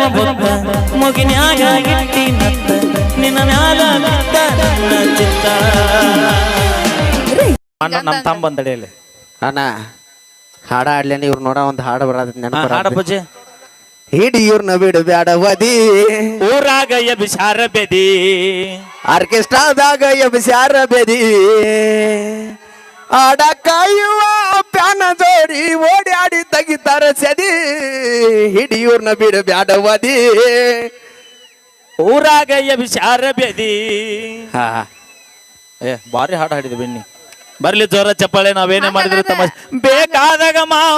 ಬುತ್ತ ಮುಗಿನ್ಯಾಗ ಇಟ್ಟಿ ನತ್ತ ನಿನ್ನ ಮ್ಯಾಲ ಬಿದ್ದ ನನ್ನ ಚಿತ್ತ. ಅಣ್ಣ ನಮ್ಮ ತಮ್ಮ ಬಂದಡಿಯಲ್ಲಿ ಅಣ್ಣ ಹಾಡ ಆಡ್ಲೇನೆ ಇವ್ರು ನೋಡ ಒಂದು ಹಾಡು ಬರೋದ್ ನೆನಪು ಹಾಡ ಪೂಜೆ ಹಿಡಿ ಇವ್ರನ್ನ ಬಿಡು ಬ್ಯಾಡವದಿ ಊರಾಗ ಎಬಿಸಾರ ಬೆದಿ ಆರ್ಕೆಸ್ಟ್ರಾದಾಗ ಎಬ್ಸ್ಯಾರ ಬೆದಿ ಆಡ ಕಾಯುವ ಪ್ಯಾನ ಜೋಡಿ ಓಡಾಡಿ ತೆಗಿತಾರ ಸದಿ ಹಿಡಿ ಇವ್ರನ್ನ ಬಿಡು ಬ್ಯಾಡವದಿ ಊರಾಗ ಎಬಿಸಾರ ಬೆದಿ. ಹಾ ಏ ಬಾರಿ ಹಾಡು ಹಾಡಿದೆ ಬೆನ್ನಿ. ಬರ್ಲಿ ಜೋರ ಚಪ್ಪಾಳೆ ನಾವೇನೇ ಮಾಡಿದ್ರು ತಮ್ಮ ಬೇಕಾದಾಗ ಮಾವ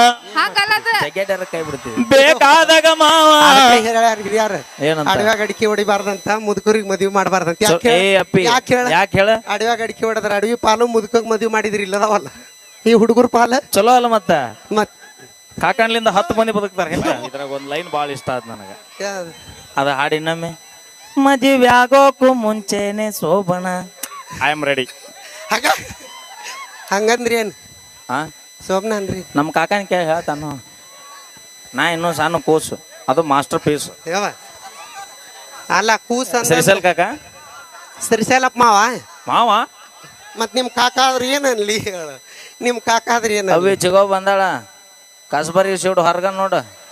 ಕೈ ಬಿಡ್ತೀವಿ ಬೇಕಾದಾಗ ಮಾವ ಏನಂತ ಅಡವ್ಯಾಗ ಅಡಿಕೆ ಹೊಡಿಬಾರ್ದಂತ ಮುದುಕರಿಗೆ ಮದ್ವಿ ಮಾಡಬಾರ್ದಂತ ಯಾಕೆ ಹೇಳ ಅಡವ್ಯಾಗ ಅಡಿಕೆ ಹೊಡೆದ್ರ ಅಡವಿ ಪಾಲು ಮುದುಕಗ್ ಮದ್ವಿ ಮಾಡಿದ್ರಿ ಇಲ್ಲದವಲ್ಲ ಈ ಹುಡುಗರ ಪಾಲ ಚಲೋ ಅಲ್ಲ ಮತ್ತ ಕಾಕಣ್ಲಿಂದ 10 ಮಂದಿ ಬದುಕ್ತಾರ. ಇದ್ರಾಗ ಒಂದ್ ಲೈನ್ ಬಾಳ ಇಷ್ಟ ಆದ್ ನನಗ. ಅದ ಹಾಡಿ ಇನ್ನೊಮ್ಮೆ ಮದುವೆ ಆಗೋಕು ಮುಂಚೆನೆ ಶೋಭಣ ಐ ಆಮ್ ರೆಡಿ. ಹಂಗಂದ್ರಿ ಏನ್ ಶೋಭನ ಅಂದ್ರಿ ನಮ್ಮ ಕಾಕನ ಕೇಳಿ ಹೇಳ್ತಾನು. ನಾ ಇನ್ನೂ ಸಣ್ಣ ಕೂಸು ಅದು ಮಾಸ್ಟರ್ ಪೀಸ್. ಅಲ್ಲ ಕೂಸ ಶ್ರೀಶೈಲ್ ಕಾಕ ಶ್ರೀಶೈಲಪ್ಪ ಮಾವ ಮಾವ ಮತ್ ನಿಮ್ ಕಾಕ ಆದ್ರಿ ಏನನ್ಲಿ ನಿಮ್ ಕಾಕ ಆದ್ರಿ ಏನ ಅವಿ ಚಿಗೋ ಬಂದಾಳ ಕಸ್ಬರಿ ಶಿವಡು ಹೊರಗ ನೋಡ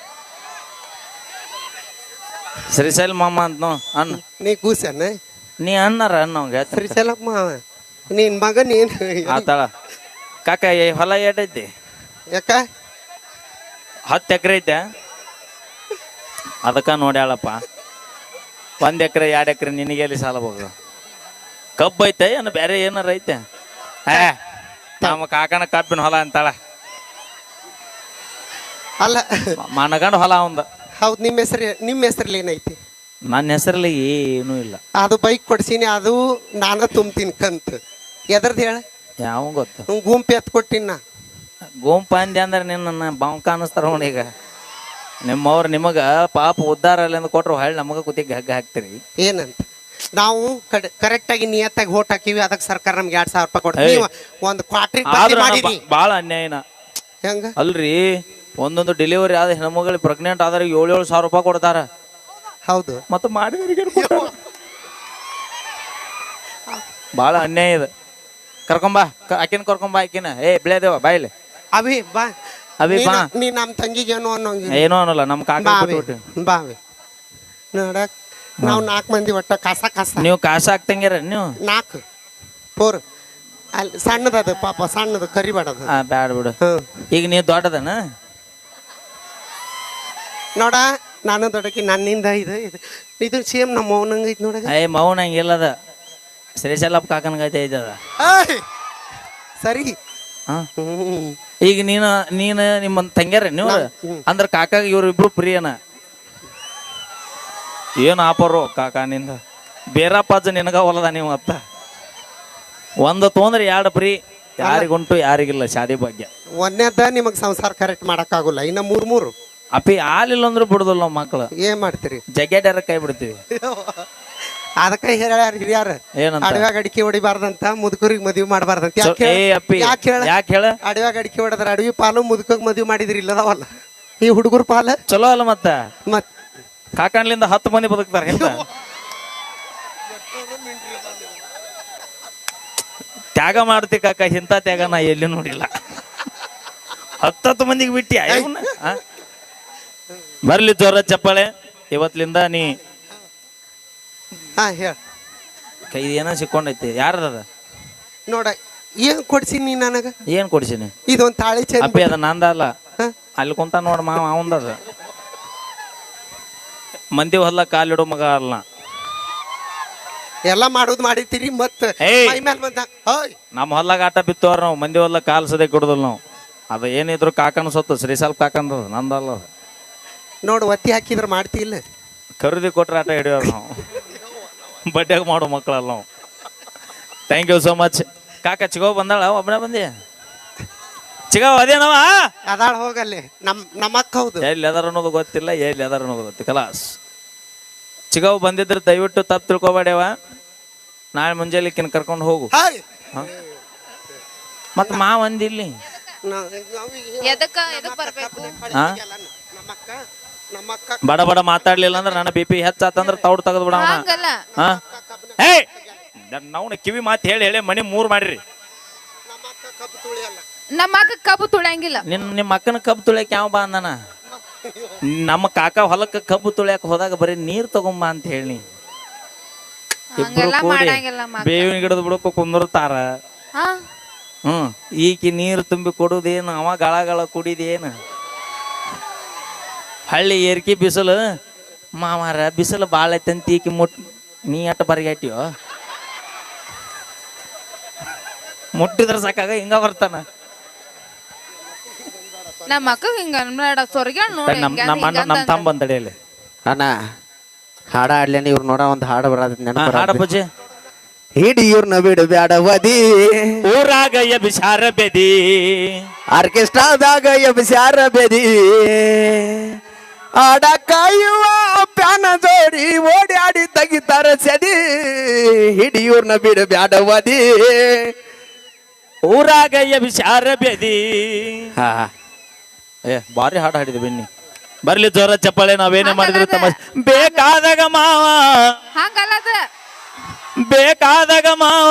ಶ್ರೀಶೈಲ್ ಮಾಮ ಅಂತ ಅಣ್ಣ ನೀ ಕೂಸನ ನೀ ಅಣ್ಣಾರ ಅಣ್ಣ ಶ್ರೀಶೈಲಪ್ಪ ಮಾವ ನಿನ್ ಮಗನ್ ಏನ್ ಆತಾಳ ಕಾಕ ಹೊಲ ಏಟೈತಿ ಯಾಕ 10 ಎಕರೆ ಐತೆ ಅದಕ್ಕ ನೋಡ್ಯಾಳಪ್ಪ. 1 ಎಕರೆ 2 ಎಕರೆ ನಿನಗೆಲ್ಲಿ ಸಾಲ ಹೋಗ ಕಬ್ಬು ಐತೆ ಏನು ಬೇರೆ ಏನಾರ ಐತೆ? ನಮ್ಮ ಕಾಕನ ಕಬ್ಬಿನ ಹೊಲ ಅಂತಾಳ. ಅಲ್ಲ ಮನಗಂಡ ಹೊಲ ಅವಂದ. ಹೌದು ನಿಮ್ಮ ಹೆಸರಲ್ಲಿ ಏನೈತಿ? ನನ್ನ ಹೆಸರಲ್ಲಿ ಏನೂ ಇಲ್ಲ. ಅದು ಬೈಕ್ ಕೊಡ್ಸೀನಿ ಅದು ನಾನು ತುಂಬ್ತೀನಿ ಕಂತ ಎದ್ರದ್ದು ಹೇಳ ಯಾವ ಗೊತ್ತ ಗುಂಪು ಎತ್ ಕೊಟ್ಟಿನ ಗುಂಪು ಅಂದೆ ಅಂದ್ರೆ ನಿನ್ನ ಬಾಂಕ ಅನ್ನಿಸ್ತಾರ ನೋಡಿ. ಈಗ ನಿಮ್ಮವ್ರು ನಿಮಗ ಪಾಪ ಉದ್ದಾರ ಅಲ್ಲಿಂದ ಕೊಟ್ರು ಹೊಳ್ಳಿ ನಮಗ ಕುತ್ತಿಗೆ ಹಗ್ಗ ಹಾಕ್ತಿರಿ ಏನಂತ ನಾವು ಕರೆಕ್ಟಾಗಿ ನಿಯತ್ತಾಗಿ ಓಟ್ ಹಾಕಿವಿ ಅದಕ್ಕೆ ಸರ್ಕಾರ ನಮ್ಗೆ 2,000 ರೂಪಾಯಿ ಕೊಡ್ತೀವಿ. ಒಂದು ಕ್ವಾರ್ಟರ್ ಭಾಳ ಅನ್ಯಾಯನ ಹೆಂಗ ಅಲ್ರಿ. ಒಂದೊಂದು ಡೆಲಿವರಿ ಆದ ಹೆಣ್ಮಗಳು ಪ್ರೆಗ್ನೆಂಟ್ ಆದ್ರೆ 7,000 ರೂಪಾಯಿ ಕೊಡ್ತಾರ. ಹೌದು ಮತ್ತೆ ಮಾಡಿದವರಿಗೆ ಭಾಳ ಅನ್ಯಾಯ ಇದೆ. ಕರ್ಕೊಂಬಾ ಆಕಿನ ಕರ್ಕೊಂಬಾ ಆಕಿನ ಬೆಳೆದೇವ ಬಾಯಿಲೆ ಅವಿ ಬಾ ಅವಿ ಬಾ. ನೀ ನಮ್ಮ ತಂಗಿಗೆ ಏನೋ ಏನೋ ಅನ್ನಲ್ಲ ನಮ್ಮ ಕಾಕ ಬಾವಿ ನೋಡಕ್ ನಾವು 4 ಮಂದಿ ಒಟ್ಟ ಕಾಸ ನೀವು ಕಾಸ ಹಾಕ್ತಂಗ್ಯಾರ ನೀವು 4 4 ಅಲ್ಲಿ ಸಣ್ಣದದು ಪಾಪ ಸಣ್ಣದು ಕರಿಬೇಡದು. ಬ್ಯಾಡ ಬಿಡು. ಈಗ ನೀವು ದೊಡ್ಡದನ ನೋಡ ನಾನು ದೊಡ್ಡಕಿ ನನ್ನಿಂದ ಇದು ಸೇಮ್ ನಮ್ಮ ಮೌನಂಗ ಐತಿ ನೋಡ. ಮೌನ ಹಂಗಿಲ್ಲದ ಶ್ರೀಶೈಲಪ್ಪ ಕಾಕನ್ಗೈತೆ ಐತದ ಸರಿ. ಈಗ ನೀನು ನಿಮ್ಮ ತಂಗ್ಯಾರ ನೀವು ಅಂದ್ರ ಕಾಕಾಗ ಇವ್ರಿಬ್ರು ಪ್ರಿಯನ ಏನು ಆಪರು ಕಾಕಾನಿಂದ ಬೇರಪ್ಪಾಜ ನಿನಗ ಹೊಲದ ನೀವು ಅತ್ತ ಒಂದು ತೊಂದ್ರೆ 2 ಪ್ರೀ ಯಾರಿಗುಂಟು ಯಾರಿಗಿಲ್ಲ ಶಾದಿ ಭಾಗ್ಯ. ಒಂದೇದ ನಿಮಗ್ ಸಂಸಾರ ಕರೆಕ್ಟ್ ಮಾಡಕ್ ಆಗುಲ್ಲ. ಇನ್ನ 3 ಅಪ್ಪಿ ಹಾಲಿಲ್ಲ ಅಂದ್ರೂ ಬಿಡುದಿಲ್ಲ ನಾವು ಮಕ್ಳು. ಏನ್ ಮಾಡ್ತೀರಿ ಜಗ್ಗೇಡ್ಯಾರ ಕೈ ಬಿಡ್ತೀವಿ. ಅದಕ್ಕ ಹೇಳ್ಯಾರ ಹಿರಿಯಾರ ಅಡವ್ಯಾಗ ಅಡಿಕೆ ಹೊಡಿಬಾರ್ದಂತ ಮುದುಕರಿಗೆ ಮದ್ವಿ ಮಾಡಬಾರ್ದಂತ. ಯಾಕೆ ಹೇಳ ಅಡವ್ಯಾಗ ಅಡಿಕೆ ಹೊಡೆದ್ರ ಅಡವಿ ಪಾಲು ಮುದುಕಗ್ ಮದ್ವಿ ಮಾಡಿದ್ರಿ ಇಲ್ಲದವಲ್ಲ ಈ ಹುಡುಗರ ಪಾಲ ಚಲೋ ಅಲ್ಲ. ಮತ್ ಕಾಕಣ್ಲಿಂದ 10 ಮಂದಿ ಬದುಕ್ತಾರ. ತ್ಯಾಗ ಮಾಡ್ತಿ ಕಾಕ, ಇಂಥ ತ್ಯಾಗ ನಾ ಎಲ್ಲಿ ನೋಡಿಲ್ಲ. 10 ಮಂದಿಗೆ ಬಿಟ್ಟಿ ಬರ್ಲಿ ಜೋರ ಚಪ್ಪಾಳೆ. ಇವತ್ಲಿಂದ ನೀ ಕೈ ಏನೋ ಸಿಕ್ಕೊಂಡೈತಿ. ಯಾರದ ನೋಡ ಏನ್ ಕೊಡ್ಸಿನಿ ನನಗ? ಏನ್ ಕೊಡ್ಸಿನಿ? ಇದೊಂದ್ ತಾಳಿ ಚಂದ. ಅಪ್ಪಿ ಅದ ನಂದ ಅಲ್ಲ, ಅಲ್ಲಿ ಕುಂತ ನೋಡ ಮಾವ ಅವಂದದ. ಮಂದಿ ಹೊಲ ಕಾಲಿಡೋ ಮಗ ಅಲ್ಲ. ಎಲ್ಲ ಮಾಡೋದು ಮಾಡಿತೀರಿ ಮತ್ತ ನಮ್ಮ ಹೊಲ್ಲಾಗ ಆಟ ಬಿತ್ತವ್ರ ನಾವು. ಮಂದಿ ಹೊಲ ಕಾಲ್ ಸದೇ ಕೊಡುದಿಲ್ಲ ನಾವು. ಅದು ಏನಿದ್ರು ಕಾಕನ ಸೊತ್ತು ಶ್ರೀಶೈಲ್ ಕಾಕಂದ ನಂದಲ್ಲ. ನೋಡು ಒತ್ತಿ ಹಾಕಿದ್ರ ಮಾಡ್ತಿಲ್ಲ. ಖರೀದಿ ಕೊಟ್ರೆ ಆಟ ಹಿಡಿಯೋರು ನಾವು. ಬಡ್ಡ್ಯಾಗ ಮಾಡೋ ಮಕ್ಕಳಲ್ಲ ನಾವು. Thank you so much. ಕಾಕ ಚಿಗೋ ಬಂದಾಳ ಒಬ್ಬನೇ ಬಂದಿ? ಚಿಗವ್ ಅದೇನವ ಅದಾಳ ಹೋಗಲ್ಲಿ ನಮ್ಮ ಅಕ್ಕ. ಹೌದು, ಎಲ್ಲಿ ಅದಾರ ಅನ್ನೋದು ಗೊತ್ತಿಲ್ಲ, ಎಲ್ಲಿ ಅದಾರ ಅನ್ನೋದು ಗೊತ್ತಿಲ್ಲ. ಕಲಾಸ್ ಚಿಗವ್ ಬಂದಿದ್ರೆ ದಯವಿಟ್ಟು ತಪ್ಪು ತಿಳ್ಕೊಬೇಡವ. ನಾಳೆ ಮುಂಜಾನೆ ಕರ್ಕೊಂಡು ಹೋಗು. ಮತ್ ಮಾವ ಅಂದಿಲ್ಲಿ ಬಡ ಬಡ ಮಾತಾಡ್ಲಿಲ್ಲ ಅಂದ್ರೆ ನನ್ನ BP ಹೆಚ್ಚಾತಂದ್ರ ತೌಡ್ ತೆಗೆದು ಬಿಡವನ. ಹಂಗಲ್ಲ ಹಾ ಹೇ ನಾವು ಕಿವಿ ಮಾತು ಹೇಳಿ ಹೇಳಿ ಮನಿ 3 ಮಾಡ್ರಿ. ನಮ್ಮ ಅಕ್ಕ ಕಬ್ಬು ತುಳಿಯಂಗಿಲ್ಲ. ನಿಮ್ಮ ಅಕ್ಕನ ಕಬ್ಬು ತುಳಿಯಕ್ ಯಾವ ಬಾ ಅಂದಾನ? ನಮ್ಮ ಕಾಕ ಹೊಲಕ್ಕ ಕಬ್ಬು ತುಳಿಯಕ್ ಹೋದಾಗ ಬರೀ ನೀರ್ ತಗೊಂಬಾ ಅಂತ ಹೇಳಿ ಇಬ್ರು ಹಂಗೆಲ್ಲ ಕೂಡಿ ಮಾಡಂಗಿಲ್ಲ ಮಕ್ಕ. ಬೇವಿನ ಗಿಡದ ಬಿಡಕ್ಕೆ ಕುಂದಿರ್ತಾರ. ಹಾ ಈಕಿ ನೀರು ತುಂಬಿ ಕೊಡುದೇನು, ಅವ ಗಳ ಕುಡಿದೇನು? ಹಳ್ಳಿ ಏರ್ಕಿ ಬಿಸಿಲು ಮಾಮಾರ ಬಿಸಿಲು ಭಾಳ ಐತಂತ ಈಕಿ ನೀ ಅಟ್ಟ ಬರಿಗಾಟಿಯೋ ಮುಟ್ಟಿದ್ರ ಸಾಕಾಗ ಹಿಂಗ ಬರ್ತಾನ. ನಮ್ಮ ಅಕ್ಕ ಹಿಂಗ ಅನ್ಬೇಡ ಸೊರ್ಗ್ಯಾಳ ನೋಡಿ. ನಮ್ಮ ತಮ್ಮ ಬಂದಡಿಯಲ್ಲಿ ಅಣ್ಣ ಹಾಡ ಆಡ್ಲೇನೆ ಇವ್ರು ನೋಡ ಒಂದು ಹಾಡು ಬರೋದ್ ಹಾಡ ಪೂಜೆ. ಹಿಡಿಯೂರ್ನ ಬಿಡು ಬ್ಯಾಡವದಿ ಊರಾಗ ಎಬಿಸಾರ ಬೆದಿ ಆರ್ಕೆಸ್ಟ್ರಾದಾಗ ಎಬ್ಸ್ಯಾರ ಬೆದಿ ಆಡ ಕಾಯುವ ಪ್ಯಾನ ಜೋಡಿ ಓಡಿ ತೆಗಿತಾರ ಸದಿ ಹಿಡಿಯೂರ್ನ ಬಿಡು ಬ್ಯಾಡವದಿ ಊರಾಗ ಎಬಿಸಾರ ಬೆದಿ. ಹಾ ಬಾರಿ ಹಾಡು ಹಾಡಿದೆ ಬೆನ್ನಿ. ಬರ್ಲಿ ಜೋರ ಚಪ್ಪಾಳೆ, ನಾವೇನೇ ಮಾಡಿದ್ರು ತಮ್ಮ ಬೇಕಾದಾಗ ಮಾವ ಹಂಗಲ್ಲದ ಬೇಕಾದಾಗ ಮಾವ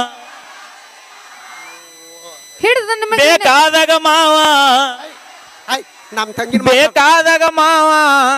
ಹಿಡಿದ ನಿಮಗೆ ಬೇಕಾದಾಗ ಮಾವ ನಮ್ ತಂಗಿ ಬೇಕಾದಾಗ ಮಾವ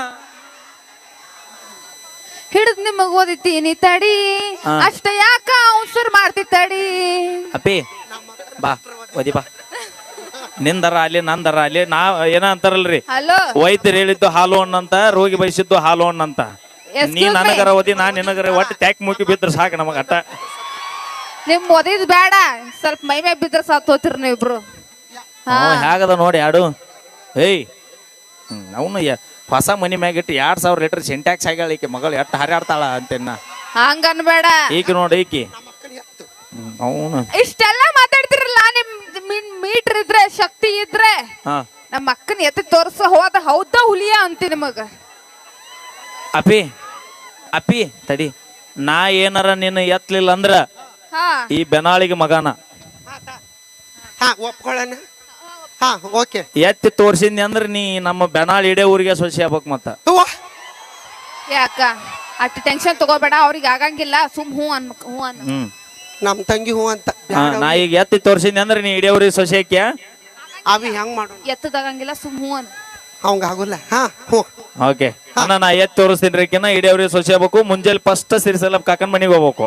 ಹಿಡಿದ್ ನಿಮಗ್ ಓದಿತೀನಿ ತಡಿ ಅಷ್ಟ ಯಾಕ ಅವಸರ್ ಮಾಡ್ತಿ ತಡಿ. ಅಪ್ಪಿ ಬಾ ಓದಿ ಬಾ. ನಿಂದರ ಅಲ್ಲಿ ನಂದರ ಅಲ್ಲಿ ಏನ ಅಂತಾರಲ್ರಿ, ಹಲೋ ವೈದ್ಯರು ಹೇಳಿದ್ದು ಹಾಲು ಹಣ್ಣಂತ, ರೋಗಿ ಬಯಸಿದ್ದು ಹಾಲು ಹಣ್ಣಂತ. ನೀ ನನಗರ ಓದಿ ನಾ ನಿನಗರ ಒಟ್ಟು ಟ್ಯಾಕ್ ಮುಗಿ ಬಿದ್ರೆ ಸಾಕು ನಮಗ ಅಟ್ಟ. ನಿಮ್ ಓದಿದ್ ಬೇಡ, ಸ್ವಲ್ಪ ಮೈ ಮೇ ಬಿದ್ರ ಸಾತ್ ಹೋತಿರ್ ನೀವಿಬ್ರು. ಹೇಗದ ನೋಡಿ ಯಾಡು. ಏಯ್ ಅವನು ಹೊಸ ಮನಿ ಮ್ಯಾಗಿಟ್ಟು 2000 ಲೀಟರ್ ಸಿಂಟ್ಯಾಕ್ಸ್ ಆಗ್ಯಾಳ ಈಕೆ ಮಗಳು, ಎಟ್ಟು ಹಾರಾಡ್ತಾಳ ಅಂತೇನ. ಹಂಗ ಅನ್ಬೇಡ. ಈಕಿ ನೋಡಿ ಈಕಿ ಅವನು ಇಷ್ಟೆಲ್ಲ ಮಾತಾಡ್ತಿರಲ್ಲ, ನಿಮ್ ಮೀಟರ್ ಇದ್ರೆ ಶಕ್ತಿ ಇದ್ರೆ ನಮ್ಮ ಅಕ್ಕನ ಎತ್ತಿ ತೋರ್ಸ ಹೋದ ಹೌದಾ ಹುಲಿಯ ಅಂತಿ ನಿಮಗ. ಅಪ್ಪಿ ಅಪ್ಪಿ ತಡಿ, ನಾ ಏನಾರ ನಿನ್ನ ಎತ್ತಲಿಲ್ಲ ಅಂದ್ರ ಈ ಬೆನಾಳಿಗೆ ಮಗನ ಒಪ್ಕೊಳ್ಳೋಣ. ಎತ್ತಿ ತೋರ್ಸಿದ್ನಿ ಅಂದ್ರ ನೀ ನಮ್ಮ ಬೆನಾಳ್ ಇಡೇ ಊರಿಗೆ ಸೊಸಿ ಆಗ್ಬೇಕು. ಮತ್ತ ಯಾಕ ಅಷ್ಟು ಟೆನ್ಷನ್ ತಗೋಬೇಡ, ಅವ್ರಿಗೆ ಆಗಂಗಿಲ್ಲ, ಸುಮ್ ಹೂ ಅನ್ನ. ನಮ್ ತಂಗಿ ಹೂ ಅಂತ ನಾ ಈಗ ಎತ್ತಿ ತೋರ್ಸಿದ್ನಿ ಅಂದ್ರ ನೀ ಇಡೇ ಊರಿಗೆ ಸೊಸಿ ಹಾಕ್ಯ. ಅವಿ ಹೆಂಗ್ ಮಾಡು, ಎತ್ತದಾಗಂಗಿಲ್ಲ, ಸುಮ್ ಹೂ ಅನ್ನ. ಅವಂಗ ಆಗುಲ್ಲ. ಓಕೆ ಅಣ್ಣ, ನಾ ಎತ್ತಿ ತೋರಿಸ್ತೀನಿ ಕಿನ್ನ ಇಡೇ ಊರಿಗೆ ಸೊಸಿ ಆಗ್ಬೇಕು. ಮುಂಜಾನೆ ಫಸ್ಟ್ ಸಿರಿಸಲ ಕಾಕನ್ ಮನಿಗೆ ಹೋಗ್ಬೇಕು.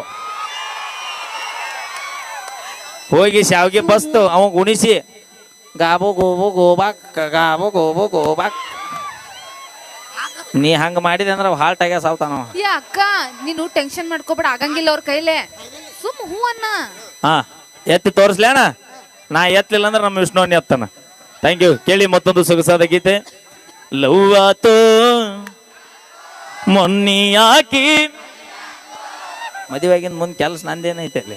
ಹೋಗಿ ಶಾವ್ಗೆ ಬಸ್ತು ಅವ ಉಣಿಸಿ ಗಾಬು ಗೋಬು ಗೋಬಾಕ್ ಗಾಬು ಗೋಬು ಗೋಬಾಕ್. ನೀ ಹಂಗ ಮಾಡಿದೆ ಅಂದ್ರ ಹಾಲ್ಟ್ ಆಗ್ಯ ಸಾವ್ತಾನವ. ಅಕ್ಕ ನೀನು ಟೆನ್ಷನ್ ಮಾಡ್ಕೋಬೇಡ, ಆಗಂಗಿಲ್ಲ ಅವ್ರ ಕೈಲೇ, ಸುಮ್ ಹೂ ಅನ್ನ. ಎತ್ತಿ ತೋರಿಸ್ಲೇಣ? ನಾ ಎತ್ತಲಿಲ್ಲ ಅಂದ್ರೆ ನಮ್ಮ ವಿಷ್ಣುವನ್ನ ಎತ್ತಾನ. Thank you. ಕೇಳಿ ಮತ್ತೊಂದು ಸೊಗಸಾದ ಗೀತೆ. ಲವ್ವಾತು ಮೊನ್ನಿ ಯಾಕಿ ಮದುವೆಗಿಂದ ಮುಂದೆ ಕೆಲಸ ನಂದೇನೈತೆ ಅಲ್ಲಿ.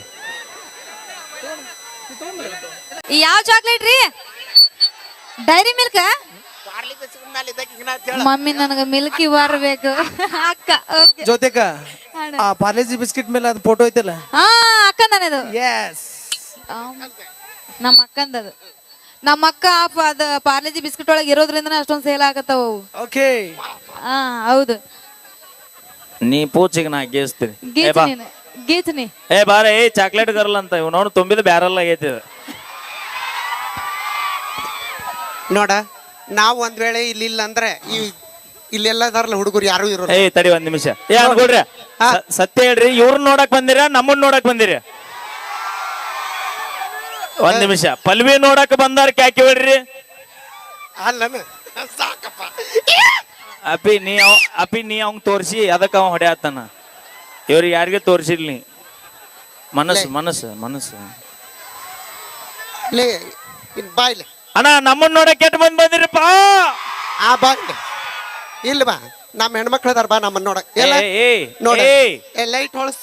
ಯಾವ ಚಾಕ್ಲೇಟ್ ರೀ? Dairy Milk? ಮಮ್ಮಿ ನನಗ ಮಿಲ್ಕಿ ಬರ್ಬೇಕು. ಅಕ್ಕ ಜೊತೆಗ ಪಾರ್ಲೇಜಿ ಬಿಸ್ಕಿಟ್ ಮೇಲೆ ಅದು ಫೋಟೋ ಐತಲ್ಲ, ಅಕ್ಕಂದನದು. ನಮ್ಮ ಅಕ್ಕಂದದು. ನಮ್ಮ ಅಕ್ಕ ಅದ ಪಾರ್ಲೇಜಿ ಬಿಸ್ಕಿಟ್ ಒಳಗೆ ಇರೋದ್ರಿಂದ ಅಷ್ಟೊಂದು ಸೇಲ್ ಆಗತ್ತವ. ಓಕೆ ಹೌದು. ನೀ ಪೂಚಿಗೆ ನಾ ಗೇಸ್ತೀನಿ. ಗೀತ್ನಿ ಏ ಬಾರ, ಏ ಚಾಕ್ಲೇಟ್ ಗರ್ಲ್ ಅಂತ ಇವ್ ನೋಡು ತುಂಬಿದ ಬ್ಯಾರಲ್ ಆಗೈತಿ. ನೋಡ, ನಾವ್ ಒಂದ್ ವೇಳೆ ಇಲ್ಲ ಅಂದ್ರೆ ಇಲ್ಲೆಲ್ಲದಾರಲ್ಲ ಹುಡುಗರು ಯಾರು ಇರೋಲ್ಲ. ಏ ತಡಿ ಒಂದ್ ನಿಮಿಷ. ಏ ಅನ್ಕೊಡ್ರಿ, ಸತ್ಯ ಹೇಳ್ರಿ, ಇವ್ರನ್ನ ನೋಡಕ್ ಬಂದಿರ ನಮ್ಮನ್ನ ನೋಡಕ್ ಬಂದಿರಿ? ಒಂದ್ ನಿಮಿಷ. ಪಲ್ವಿ ನೋಡಕ್ ಬಂದಾರ ಕ್ಯಾಕಿ ಹೇಳ್ರಿ. ಸಾಕಪ್ಪ ಅಪ್ಪಿ ನೀ ಅವಂಗ್ ತೋರ್ಸಿ ಅದಕ್ಕ ಅವ ಹೊಡೆಯತ್ತಾನ. ಇವ್ರಿಗೆ ಯಾರಿಗೆ ತೋರ್ಸಿಲ್ ನೀ? ಮನಸ್ಸು ಮನಸ್ಸು ಮನಸ್ಸು. ಬಾಯ್ಲೆ ಅಣ್ಣ, ನಮ್ಮನ್ನ ನೋಡಕ್ ಕೆಟ್ಟ ಮಂದಿ ಬಂದಿರಪ್ಪ. ಬಾಯ್ಲೆ ಇಲ್ಲ ಬಾ, ನಮ್ಮ ಹೆಣ್ಮಕ್ಳು ಅದಾರ, ಬಾ ನಮ್ಮನ್ನ ನೋಡಕ್. ನೋಡ ಲೈಟ್ ಹೊಳಸ್.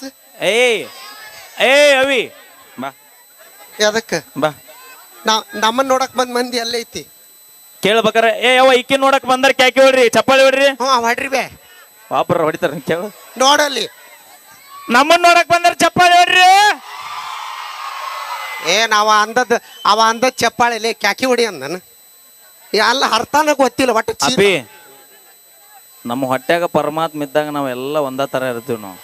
ಅವಿ ಬಾ. ಅದಕ್ಕ ಬಾ, ನಮ್ಮನ್ನ ನೋಡಕ್ ಬಂದ್ ಮಂದಿ ಅಲ್ಲೇ ಐತಿ. ಕೇಳ್ಬೇಕಾರ ಯಾವ ಇಕ್ಕಿ ನೋಡಕ್ ಬಂದಾರ ಕ್ಯಾಕಿ ಹೊಡ್ರಿ, ಚಪ್ಪಾಳಿ ಹೊಡ್ರಿ. ಹೊಡ್ರಿ ಬೇ, ವಾಪರ ಹೊಡಿತಾರ. ಕೇಳು, ನೋಡಲ್ಲಿ ನಮ್ಮನ್ನ ನೋಡಕ್ ಬಂದಾರ ಚಪ್ಪಾಳಿ ಹೊಡ್ರಿ. ಅವ ಅಂದದ್ ಚಪ್ಪಾಳೆ ಕ್ಯಾಕಿ ಹೊಡಿ ಅಂದನ. ಅಲ್ಲ ಅರ್ಥನ ಗೊತ್ತಿಲ್ಲ ಒಟ್ಟು. ಅಪ್ಪಿ ನಮ್ಮ ಹೊಟ್ಯಾಗ ಪರಮಾತ್ಮ ಇದ್ದಾಗ ನಾವೆಲ್ಲ ಒಂದೇ ಥರ ಇರ್ತೀವಿ ನಾವು.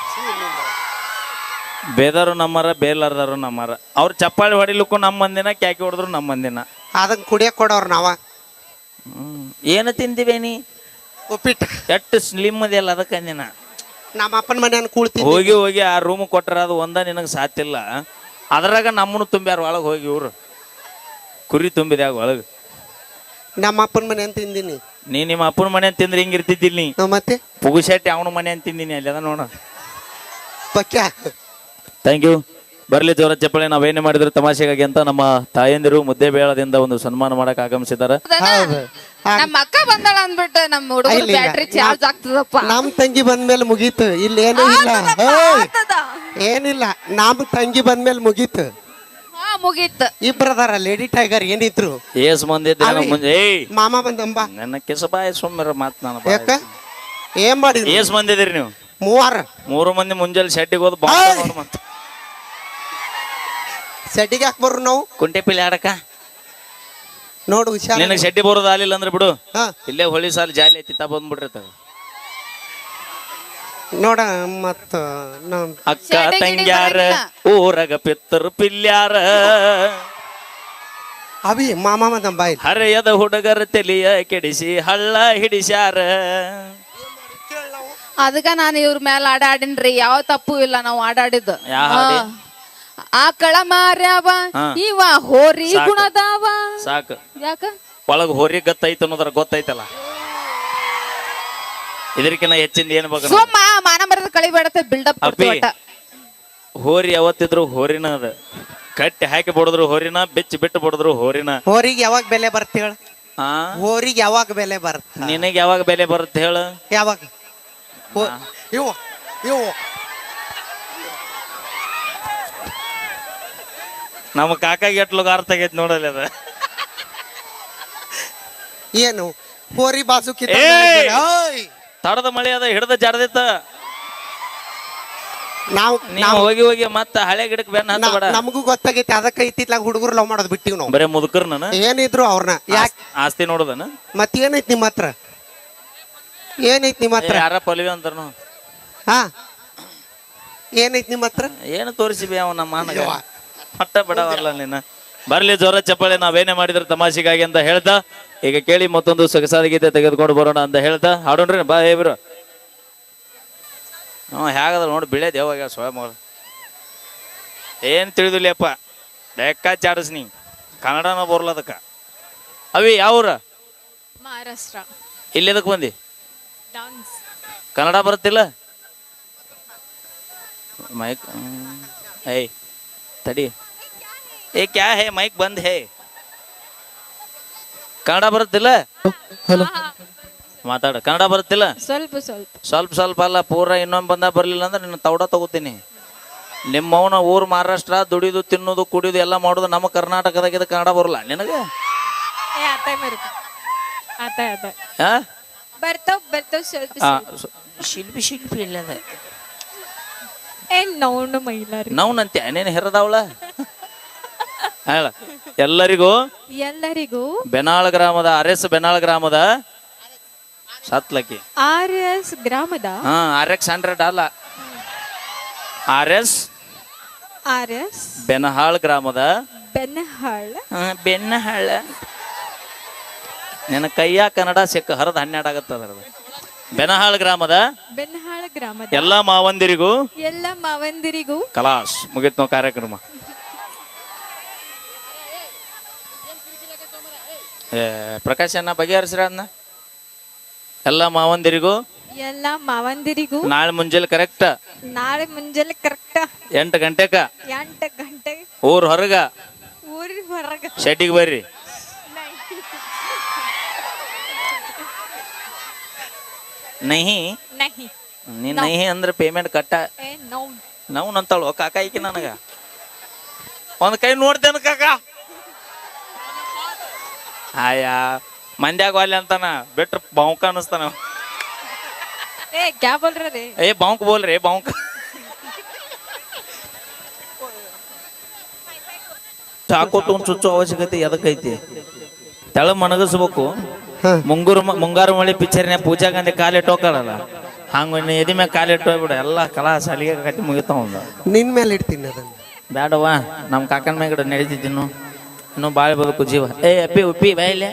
ಬೇದವರು ನಮ್ಮರ ಬೇಲಾರ್ದರು ನಮ್ಮರ. ಅವ್ರು ಚಪ್ಪಾಳಿ ಹೊಡಿಲಿಕ್ಕೂ ನಮ್ಮ ಮಂದಿನ, ಕ್ಯಾಕಿ ಹೊಡೆದ್ರು ನಮ್ಮ ಮಂದಿನ. ಅದನ್ನ ಕುಡಿಯಕ್ ಕೊಡೋರು ನಾವ. ಏನು ತಿಂದಿವೇನಿ? ಉಪ್ಪಿಟ್ಟು. ಎಷ್ಟು ಸ್ಲಿಮ್ ಅದೆಲ್ಲ ಅದಕ್ಕೆ ಅಂದಿನ. ನಮ್ಮ ಅಪ್ಪನ ಮನೆಯನ್ನು ಕೂಳ್ತೀವಿ. ಹೋಗಿ ಹೋಗಿ ಆ ರೂಮ್ ಕೊಟ್ಟರ ಅದು ಒಂದ ನಿನಗೆ ಸಾತಿಲ್ಲ. ಅದ್ರಾಗ ನಮ್ಮನ್ನು ತುಂಬ್ಯಾರ ಒಳಗೆ ಹೋಗಿ ಇವ್ರು ಕುರಿ ತುಂಬಿದ್ಯಾಗ ಒಳಗೆ. ನಮ್ಮ ಅಪ್ಪನ ಮನೆ ಅಂತ ತಿಂದಿನಿ. ನೀ ನಿಮ್ಮ ಅಪ್ಪನ ಮನೆ ಅಂತ ತಿಂದ್ರೆ ಹಿಂಗೆ ಇರ್ತಿದ್ದಿಲ್ಲ ನೀ. ಮತ್ತೆ ಪುಗುಶೆಟ್ಟಿ ಅವನ ಮನೆ ಅಂತ ತಿಂದಿನಿ ಅಲ್ಲಿ ಅದ ನೋಡ. ಪಕ್ಯ. Thank you. ಬರ್ಲಿ ಜೋರ ಚಪ್ಪಳೆ. ನಾವೇನೇ ಮಾಡಿದ್ರು ತಮಾಷೆಗಾಗಿ ಅಂತ ನಮ್ಮ ತಾಯಂದಿರು ಮುದ್ದೆ ಬೇಳದಿಂದ ಒಂದು ಸನ್ಮಾನ ಮಾಡಕ್ ಆಗಮಿಸಿದಾರ. ನಮ್ಮ ಅಕ್ಕ ಬಂದಾಳ ಅಂದ್ಬಿಟ್ಟು ನಮ್ಮ ಹುಡುಗರ ಬ್ಯಾಟ್ರಿ ಚಾರ್ಜ್ ಆಗ್ತದಪ್ಪ. ನಮ್ ತಂಗಿ ಬಂದ್ಮೇಲೆ ಮುಗೀತು. ಇಲ್ಲಿ ಏನೂ ಇಲ್ಲ. ಏನಿಲ್ಲ, ನಮ್ ತಂಗಿ ಬಂದ್ಮೇಲೆ ಮುಗೀತು. ಮುಗೀತು. ಇಬ್ಬರದಾರ ಲೇಡಿ ಟೈಗರ್ ಏನಿದ್ರು. ಏಸ್ ಮಂದಿ ಮುಂಜೆ ಮಾಮ ಬಂದಂಬ ನನ್ನ ಕೆಸಬಾಯ ಸುಮ್ಮರ ಮಾತ್ ನಾನು. ಯಾಕ ಏನ್ ಮಾಡಿದ್ರಿ? ಏಸ್ ಮಂದಿದ್ರಿ ನೀವು? ಮೂರು ಮಂದಿ ಮುಂಜಾನೆ ಶೆಟ್ಟಿಗೆ ಹೋದ್ ಮತ್ತ ಸೆಟ್ಟಿಗೆ ಯಾಕೆ ಬರ್ರು ನಾವು? ಕುಂಟೆ ಪಿಲ್ಲಿ ಆಡಕ ನೋಡು ಹುಷಾರ್. ನಿನಗೆ ಶೆಟ್ಟಿ ಬರೋದು ಆಲಿಲ್ಲ ಅಂದ್ರೆ ಬಿಡು. ಹಾ ಇಲ್ಲೇ ಹೊಳಿ ಸಾಲ ಜಾಲಿ ಐತಿ ತಾ ಬಂದ್ಬಿಟ್ಟಿರ್ತಾವ. ನೋಡ ಮತ್ತ ಅಕ್ಕ ತಂಗ್ಯಾರ ಊರಗ ಪಿತ್ತರು ಪಿಲ್ಯಾರ ಅವಿ ಮಾಮ ಬಂದಂಬ ಹರೆಯದ ಹುಡುಗರ ತೆಲಿಯ ಕೆಡಿಸಿ ಹಳ್ಳ ಹಿಡಿಸ್ಯಾರ. ಅದಕ್ಕ ನಾನು ಇವ್ರ ಮೇಲೆ ಆಡಾಡಿನ್ರಿ. ಯಾವ ತಪ್ಪು ಇಲ್ಲ ನಾವು ಆಡಾಡಿದ್ದು. ಆಕಳ ಮಾರ್ಯಾವ ಇವ ಹೋರಿ ಗುಣದಾವ. ಸಾಕು. ಯಾಕ ಒಳಗ ಹೋರಿ ಗತ್ತೈತ ಅನ್ನೋದ್ರ ಗೊತ್ತೈತಲ್ಲ. ಇದಕ್ಕಿನ್ನ ಹೆಚ್ಚಿಂದ ಏನ್ ಬೇಕು? ಸುಮ್ಮ ಮಾನ ಮರದ ಕಳಿಬೇಡತ್ತೆ ಬಿಲ್ಡಪ್. ಹೋರಿ ಯಾವತ್ತಿದ್ರು ಹೋರಿನ ಅದ. ಕಟ್ಟಿ ಹಾಕಿ ಬಿಡಿದ್ರು ಹೋರಿನ, ಬೆಚ್ಚಿ ಬಿಟ್ಟು ಬಿಡಿದ್ರು ಹೋರಿನ. ಹೋರಿಗೆ ಯಾವಾಗ ಬೆಲೆ ಬರುತ್ತೆ ಹೇಳ? ಹೋರಿಗೆ ಯಾವಾಗ ಬೆಲೆ ಬರುತ್ತೆ? ನಿನಗೆ ಯಾವಾಗ ಬೆಲೆ ಬರುತ್ತೆ ಹೇಳ? ಯಾವಾಗ? ಇವು ಇವು ನಮ್ಮ ಕಾಕಾಗೆ ಎಟ್ಲು ಗಾರ್ ತೆಗೈತ್ ನೋಡಲ್ಲ ಅದ. ಏನು ಹೋರಿ ಬಾಸು ತಡದ ಮಳೆ ಅದ ಹಿಡ್ದ ಜಾರದಿತ್ತ. ನಾವು ಹೋಗಿ ಹೋಗಿ ಮತ್ತ ಹಳೆ ಗಿಡಕ್ಕೆ ಬೆನ್ನ ಹತ್ತಬೇಡ. ನಮಗೂ ಗೊತ್ತಾಗೈತಿ. ಅದಕ್ಕೆ ಇತ್ತಿತ್ಲಾಗ ಹುಡುಗರು ಲವ್ ಮಾಡೋದು ಬಿಟ್ಟಿವ್ ನಾವು. ಬರೇ ಮುದುಕರ್ ನಾನು ಏನಿದ್ರು ಅವ್ರನ್ನ ಯಾಕೆ ಆಸ್ತಿ ನೋಡುದನ. ಮತ್ತೇನೈತಿ ನಿಮ್ಮ ಹತ್ರ? ಏನೈತಿ ನಿಮ್ಮ ಹತ್ರ? ಯಾರ ಪಲ್ವಿ ಅಂತಾರ. ಹಾ ಏನೈತಿ ನಿಮ್ಮ ಹತ್ರ? ಏನು ತೋರಿಸಿಬಿ ಅವ ನಮ್ಮ ಮಾನಗ ಮಟ್ಟ ಬಿಡವಲ್ಲ ನೀನ. ಬರ್ಲಿ ಜೋರ ಚಪ್ಪಾಳೆ. ನಾವೇನೇ ಮಾಡಿದ್ರೆ ತಮಾಷೆಗಾಗಿ ಅಂತ ಹೇಳ್ತಾ ಈಗ ಕೇಳಿ ಮತ್ತೊಂದು ಸೊಗಸಾದ ಗೀತೆ ತೆಗೆದುಕೊಂಡು ಬರೋಣ ಅಂತ ಹೇಳ್ತಾ ಹಾಡೋಣ್ರಿ. ಬಾ ಹೇಬ್ರು ಹೇಗದ ನೋಡಿ ಬಿಳೆ ದೇವಾಗ ಸ್ವಯಂ ಏನ್ ತಿಳಿದಿಲ್ಲಪ್ಪ. ಲೆಕ್ಕ ಚಾಡಸ್ ನೀ ಕನ್ನಡನ ಬರಲ್ಲ ಅದಕ್ಕ. ಅವಿ ಯಾವ್ರ? ಮಹಾರಾಷ್ಟ್ರ. ಇಲ್ಲಿ ಎದಕ್ ಬಂದಿ? ಕನ್ನಡ ಬರುತ್ತಿಲ್ಲ? ಮೈಕ್ ಏಯ್ ತಡಿ. ಏ ಕ್ಯಾ ಹೇ ಮೈಕ್ ಬಂದ್ ಹೇ. ಕನ್ನಡ ಬರುತ್ತಿಲ್ಲ? ಮಾತಾಡ. ಕನ್ನಡ ಬರುತ್ತಿಲ್ಲ? ಸ್ವಲ್ಪ ಸ್ವಲ್ಪ ಸ್ವಲ್ಪ ಸ್ವಲ್ಪ ಅಲ್ಲ ಪೂರ. ಇನ್ನೊಮ್ಮೆ ಬಂದ ಬರ್ಲಿಲ್ಲ ಅಂದ್ರೆ ನಿನ್ನ ತೌಡ ತಗೋತೀನಿ. ನಿಮ್ಮವನ ಊರು ಮಹಾರಾಷ್ಟ್ರ. ದುಡಿದು ತಿನ್ನೋದು ಕುಡಿಯೋದು ಎಲ್ಲ ಮಾಡೋದು ನಮ್ಮ ಕರ್ನಾಟಕದಾಗ. ಕನ್ನಡ ಬರಲ್ಲ ನಿನಗೆ? ಶಿಲ್ಪಿ ಶಿಲ್ಪಿ ಇಲ್ಲದ ನೌನಂತೆ ನೀನು ಹೆರದವಳ. ಹೇಳ ಎಲ್ಲರಿಗೂ ಬೆನಾಳ್ ಗ್ರಾಮದ RS ಬೆನಾಳ್ ಗ್ರಾಮದ ಸತ್ಲಕ್ಕಿ RS ಗ್ರಾಮದ RX 100 ಅಲ್ಲ RS ಬೆನಹಾಳ್ ಗ್ರಾಮದ ಬೆನ್ನಹಾಳ. ನಿನ್ನ ಕೈಯ ಕನ್ನಡ ಸಿಕ್ಕ ಹರಿದ 12 ಆಗತ್ತದ. ಬೆನಹಾಳ್ ಗ್ರಾಮದ ಎಲ್ಲ ಮಾವಂದಿರಿಗೂ ಕಲಾಸ್ ಮುಗಿತ್ ನಾವು ಕಾರ್ಯಕ್ರಮ. ಪ್ರಕಾಶ್ ಅನ್ನ ಬಗೆಹರಿಸ್ರ ಅದನ್ನ. ಎಲ್ಲ ಮಾವಂದಿರಿಗೂ ನಾಳೆ ಮುಂಜಾನೆ ಕರೆಕ್ಟ್ 8 ಗಂಟೆಕ ಊರ್ ಹೊರಗ ಶೆಟ್ಟಿಗೆ ಬರ್ರಿ. ನಹಿ ನೀ ನಹಿ ಅಂದ್ರೆ ಪೇಮೆಂಟ್ ಕಟ್ಟ. ನಾವು ನಂತಾಳು ಕಾಕ ಈಕಿ ನನಗ ಒಂದ್ ಕೈ ನೋಡ್ತೇನ ಕಾಕ. ಆಯಾ ಮಂದ್ಯಾಗ ವಾಲಿ ಅಂತಾನ ಬಿಟ್ರ ಬಾಂಕ ಅನಿಸ್ತಾನ. ಏ ಬಾಂಕ್ ಬೋಲ್ರಿ ಬಾಂಕ್. ಚಾಕೋತ್ ಒಂದ್ ಚುಚ್ಚು ಅವಶ್ಯಕತೆ ಎದಕ್ಕೈತಿ? ತೆಳ ಮನಗಸ್ಬೇಕು. ಮುಂಗಾರು ಮಳಿ ಪಿಕ್ಚರ್ನ್ಯಾಗ ಪೂಜಾ ಗಾಂಧಿ ಕಾಲಿಟ್ಟು ಹೋಗಲ್ಲ ಹಂಗ ಎದಿ ಮ್ಯಾಗ ಕಾಲಿಟ್ಟು ಹೋಗ್ಬಿಡ ಎಲ್ಲ ಕಲಾ ಸಾಲಿಗೆ ಕಟ್ಟಿ ಮುಗಿತಾವ ಒಂದು ನಿನ್ ಮೇಲೆ ಇಡ್ತೀನಿ ಅದನ್ನ. ಬೇಡವಾ ನಮ್ಮ ಕಾಕನ ಮ್ಯಾಗ ನಡೀತಿದ್ದೀನು ಇನ್ನೂ ಬಾಳೆ ಬದುಕು ಜೀವ. ಅಪ್ಪಿ ಉಪ್ಪಿ ಬಾಯಿಲೆ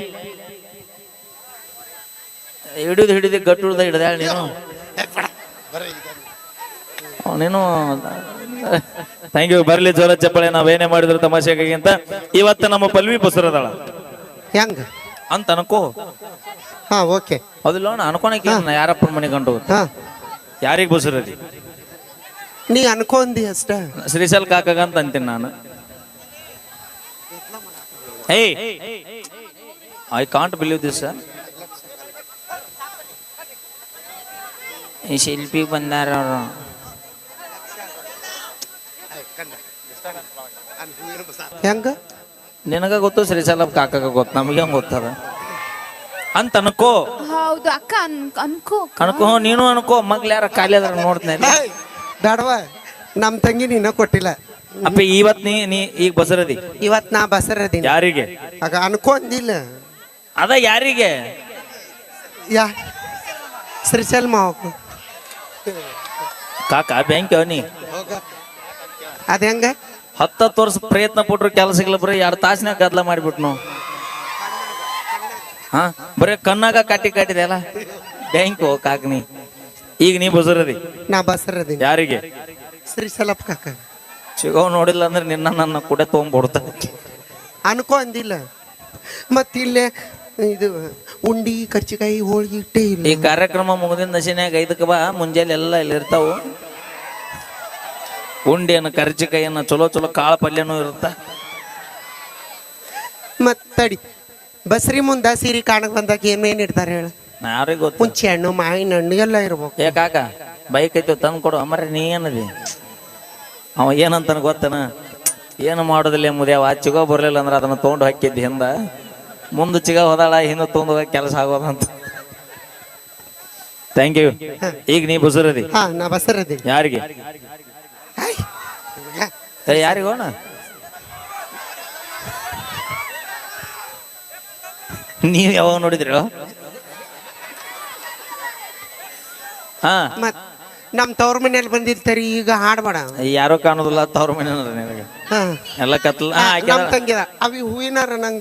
ಹಿಡಿದು ಗಟ್ಟು ಹಿಡ್ದ ನೀನು ನೀನು ಥ್ಯಾಂಕ್ ಯು. ಬರ್ಲಿ ಜೋರ ಚಪ್ಪಳೆ. ನಾವೇನೇ ಮಾಡಿದ್ರು ತಮಾಷೆಗಾಗಿ ಅಂತ ಇವತ್ತು ನಮ್ಮ ಪಲ್ವಿ ಬಸರದಾಳ ಹೆಂಗ ಅಂತ ಅನ್ಕೋ. ಹಾ ಓಕೆ ಅದಿಲ್ಲ ಅನ್ಕೊಳಕ್ಕೆ ಯಾರಪ್ಪನ ಮನೆ ಗಂಟು ಹಾ ಯಾರಿಗ್ ಬಸರದಿ ನೀ ಅನ್ಕೊಂಡಿ ಅಷ್ಟ. ಶ್ರೀಶೈಲ್ ಕಾಕಾಗ ಅಂತ ಅಂತೀನಿ ನಾನು. I can't believe this. ಈ ಶಿಲ್ಪಿ ಬಂದಾರ ಅವರು. ಹೆಂಗ ನಿನಗ ಗೊತ್ತು ಶ್ರೀಶೈಲ ಕಾಕಾಗ ಗೊತ್ತು ನಮಗೆ ಹೆಂಗ್ ಗೊತ್ತದ ಅಂತ ಅನ್ಕೋ. ಹೌದು ಅಕ್ಕ ಅನ್ಕೋ ಅನ್ಕೋ ನೀನು ಅನ್ಕೋ. ಮಗ್ಲ ಯಾರ ಖಾಲಿ ಅದ್ರ ನೋಡ್ತೇನೆ ಬೇಡವಾ ನಮ್ ತಂಗಿ ನೀನ ಕೊಟ್ಟಿಲ್ಲ. ಅಪ್ಪ ಇವತ್ ನೀ ಈಗ ಬಸರದಿ. ಇವತ್ ನಾ ಬಸರದೀನಿ. ಯಾರಿಗೆ ಆಗ ಅನ್ಕೊಂದಿಲ್ಲ ಅದ ಯಾರಿಗೆ ಯಾ ಶ್ರೀಶೈಲ್ ಮಾವ ಕಾಕ ಬ್ಯಾಂಕ್ ಅವನಿ ಅದ ಹೆಂಗ 10 ವರ್ಷ ಪ್ರಯತ್ನ ಪಟ್ರು ಕೆಲಸಗಳ ಬರೀ 2 ತಾಸಿನಾಗ ಗದ್ಲ ಮಾಡಿಬಿಟ್ಟು ನಾವು. ಹಾ ಬರೀ ಕಣ್ಣಾಗ ಕಾಟಿದೆ ಅಲ್ಲ ಬ್ಯಾಂಕ್ ಕಾಕನಿ. ಈಗ ನೀ ಬಸರದಿ. ನಾ ಬಸರದೀನಿ. ಯಾರಿಗೆ ಶ್ರೀಶೈಲಪ್ಪ ಕಾಕ. ಸಿಗವ್ ನೋಡಿಲ್ಲ ಅಂದ್ರೆ ನಿನ್ನ ನನ್ನ ಕೂಡ ತೊಗೊಂಡ್ಬಿಡ್ತಾರೆ. ಅನ್ಕೊಂದಿಲ್ಲ ಮತ್ತಿಲ್ಲೇ ಇದು ಉಂಡಿ ಕರ್ಚಿಕಾಯಿ ಹೋಳಿಗೆ ಇಟ್ಟೇ ಇಲ್ಲ. ಈ ಕಾರ್ಯಕ್ರಮ ಮುಗಿದಿನ ದಶನ್ಯಾಗ 5ಕ್ಕೆ ಬಾ. ಮುಂಜಾನೆ ಎಲ್ಲ ಇಲ್ಲಿ ಇರ್ತಾವು. ಉಂಡಿಯನ್ನು ಕರ್ಚಿಕಾಯಿಯನ್ನು ಚಲೋ ಕಾಳು ಪಲ್ಯನೂ ಇರುತ್ತ. ಮತ್ತಡಿ ಬಸ್ರಿ ಮುಂದ ಸೀರೆ ಕಾಣಕ್ ಬಂದಾಗ ಏನೇನ್ ಇಡ್ತಾರೆ ಹೇಳ. ಯಾರಿಗೆ ಗೊತ್ತು. ಹುಂಚಿ ಹಣ್ಣು ಮಾವಿನ ಹಣ್ಣು ಎಲ್ಲ ಇರ್ಬೇಕು. ಏ ಕಾಕ ಬೈಕ್ ಐತಿ ತಂದು ಕೊಡು. ಅಮ್ಮರ ನೀ ಏನದಿ ಅವ ಏನಂತಾನ ಗೊತ್ತನ. ಏನು ಮಾಡೋದಿಲ್ಲ ಮುದ್ಯಾವ ಚಿಗೋ ಬರ್ಲಿಲ್ಲ ಅಂದ್ರೆ ಅದನ್ನ ತೊಗೊಂಡು ಹಾಕಿದ್ದಿ ಹಿಂದ. ಮುಂದೆ ಚಿಗ ಹೋದಾಳ ಹಿಂದೆ ತೊಗೊಂಡು ಹೋಗಕ್ಕೆ ಕೆಲಸ ಆಗೋದಂತ. Thank you. ಈಗ ನೀ ಬಸರದಿ. ಹಾ ನಾ ಬಸರದೀನಿ. ಯಾರಿಗೆ ಯಾರಿಗೋಣ ನೀವ್ ಯಾವಾಗ ನೋಡಿದ್ರಿ? ಹಾ ಮತ್ ನಮ್ ತವ್ರ ಮನೇಲಿ ಬಂದಿರ್ತಾರಿ. ಈಗ ಹಾಡ್ಬೇಡ. ಯಾರೋ ಕಾಣೋದಿಲ್ಲ ತವ್ರ ಮನೆ ನಿನಗೆ ಹಾ ಎಲ್ಲ ಕತ್ಲ. ನಮ್ ತಂಗಿದ ಅವಿ ಹೂವಿನಾರ ನಂಗ.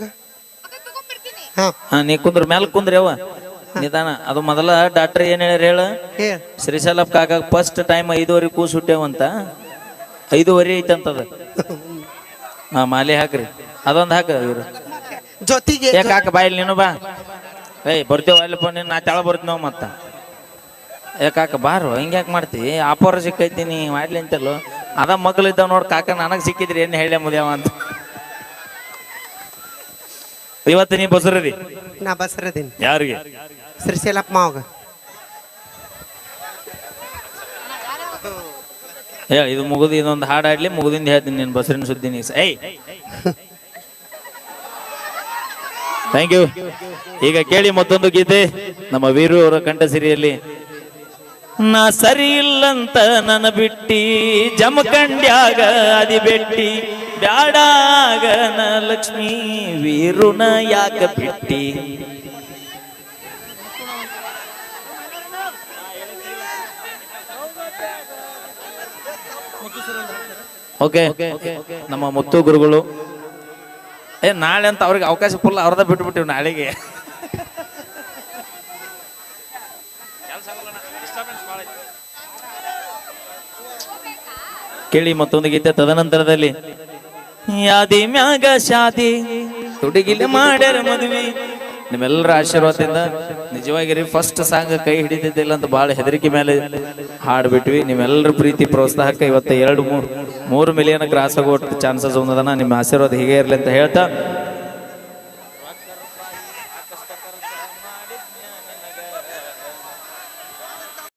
ಹಾ ನೀ ಕುಂದ್ರ ಮ್ಯಾಲ ಕುಂದ್ರಿ ಅವ ನಿಧಾನ. ಅದು ಮೊದಲ ಡಾಕ್ಟರ್ ಏನ್ ಹೇಳ್ಯಾರ ಹೇಳ. ಶ್ರೀಶೈಲಪ್ಪ ಕಾಕ ಫಸ್ಟ್ ಟೈಮ್ 5:15 ಕೂಸ್ ಹುಟ್ಟ್ಯಾವಂತ. 5:15 ಐತಂತದ. ಹಾ ಮಾಲೆ ಹಾಕ್ರಿ ಅದೊಂದು ಹಾಕ ಇವ್ರು ಜೊತೆಗೆ. ಕಾಕ ಬಾಯಿಲ್ ನೀನು ಬಾ. ಬರ್ತೇವ ಅಲ್ಲಪ್ಪ ನೀನು. ನಾ ತೆಳ ಬರ್ತೀವಿ ನಾವು ಮತ್ತ. ಕಾಕ ಬಾರು ಹಿಂಗ್ಯಾಕೆ ಮಾಡ್ತಿ. ಆಪೋರ ಸಿಕ್ಕೈತಿ ನೀ ಮಾಡ್ಲಿ ಅಂತಲ್ಲೋ. ಅದ ಮಕ್ಳಿದ್ದಾವ ನೋಡ್ ಕಾಕ. ನನಗ್ ಸಿಕ್ಕಿದ್ರಿ ಏನ್ ಹೇಳ ಮುದ್ಯಾವ ಅಂತ. ಇವತ್ತು ನೀ ಬಸರದಿ. ನಾ ಬಸರದೀನಿ. ಯಾರಿಗೆ ಶ್ರೀಶೈಲಪ್ಪ ಮಾವಾಗ. ಹೇಳ ಇದು ಮುಗಿದು ಇದೊಂದು ಹಾಡಾಡ್ಲಿ ಮುಗಿದಿಂದ ಹೇಳ್ತೀನಿ ನೀನು ಬಸರಿನ ಸುದ್ದಿ. ನೀ ಥ್ಯಾಂಕ್ ಯು. ಈಗ ಕೇಳಿ ಮತ್ತೊಂದು ಗೀತೆ ನಮ್ಮ ವೀರು ಅವರ ಕಂಠಸಿರಿಯಲ್ಲಿ. ನಾ ಸರಿ ಇಲ್ಲಂತ ನನ್ನ ಬಿಟ್ಟಿ ಜಮಖಂಡ್ಯಾಗ ಅದಿ ಬೆಟ್ಟಿ ಬ್ಯಾಡಾಗ ನ ಲಕ್ಷ್ಮೀ ವೀರುನ ಯಾಕ ಬಿಟ್ಟಿ. ಓಕೆ ನಮ್ಮ ಮುತ್ತು ಗುರುಗಳು. ನಾಳೆ ಅಂತ ಅವ್ರಿಗೆ ಅವಕಾಶ ಫುಲ್ ಅವ್ರದ ಬಿಟ್ಬಿಟ್ಟಿವಿ ನಾಳೆಗೆ. ಕೇಳಿ ಮತ್ತೊಂದು ಗೀತೆ. ತದನಂತರದಲ್ಲಿ ಯಾದಿ ಮ್ಯಾಗ ಶಾದಿ ತುಡಿಗಿಲೆ ಮಾಡ್ಯಾರ ಮದುವೆ. ನಿಮ್ಮೆಲ್ಲರ ಆಶೀರ್ವಾದದಿಂದ ನಿಜವಾಗಿರಿ ಫಸ್ಟ್ ಸಾಂಗ್ ಕೈ ಹಿಡಿದಿದ್ದಿಲ್ಲ ಅಂತ ಬಹಳ ಹೆದರಿಕೆ ಮೇಲೆ ಹಾಡ್ಬಿಟ್ವಿ. ನಿಮ್ಮೆಲ್ಲರ ಪ್ರೀತಿ ಪ್ರೋತ್ಸಾಹಕ್ಕೆ ಇವತ್ತು 2-3 ಮಿಲಿಯನ್ ಕ್ರಾಸ್ ಆಗೋ ಚಾನ್ಸಸ್ ಒಂದದನ. ನಿಮ್ಮ ಆಶೀರ್ವಾದ ಹೀಗೆ ಇರಲಿ ಅಂತ ಹೇಳ್ತಾ